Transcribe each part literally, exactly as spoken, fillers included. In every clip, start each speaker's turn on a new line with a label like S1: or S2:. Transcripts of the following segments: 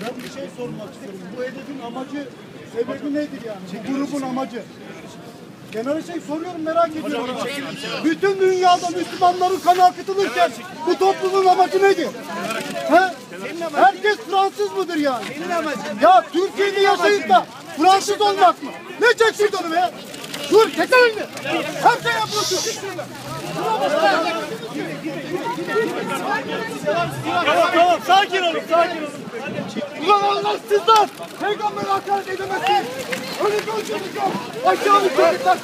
S1: Ben bir şey sormak istiyorum. Bu hedefin amacı, sebebi nedir yani? Bu grubun amacı. Genel şey soruyorum, merak ediyorum. Bütün dünyada Müslümanların kanı akıtılırken bu toplumun amacı nedir? He? Herkes Fransız mıdır yani? Ya Türkiye'de yaşayıp da Fransız olmak mı? Ne çeksin onu be? Dur, çekil elini. Her şey yapıyorsun.
S2: Tamam tamam, sakin olun, sakin olun.
S1: Ulan Allahsızlar! Peygamber'e hakaret edemezsiniz! Öyle bir ölçümüz yok! Aşağı bir çocuklar!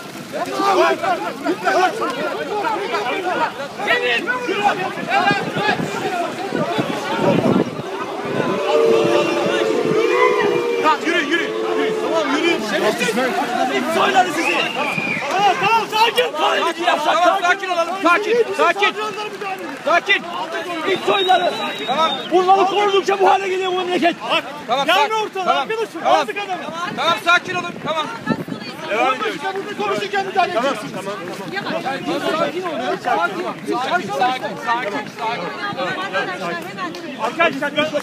S2: Yürü, yürü, yürü. Tamam, yürü. İlk soyları sizi. Tamam, tamam, sakin.
S3: Tamam, sakin olalım, sakin, sakin. Sakin. İlk soyları. Tamam.
S2: Bunları korudukça bu hale geliyor bu memleket. Bak,
S3: Tamam,
S2: gelme
S3: sakin.
S2: ortalığa
S3: Tamam.
S2: arkadaşım.
S3: Tamam.
S2: Aldık adamı.
S3: Tamam, sakin olun, tamam.
S2: Devam ediyoruz.
S1: Burada konuşurken müdahale edeceğiz.
S3: Tamam, tamam. Sakin olun, sakin. Sakin, sakin, sakin, sakin.
S2: Arkadaşlar biraz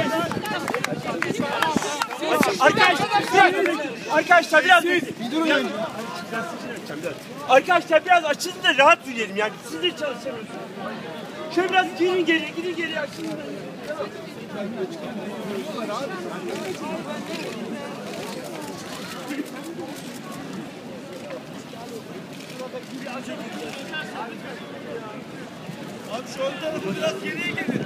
S2: Arkadaşlar, arkadaşlar biraz biraz, Arkadaşlar biraz açın da rahat yürüyelim yani. Siz de çalışamıyorsunuz. Şöyle biraz gidin geriye, gidin geriye açın. Abi şu ön tarafı biraz geriye gelin.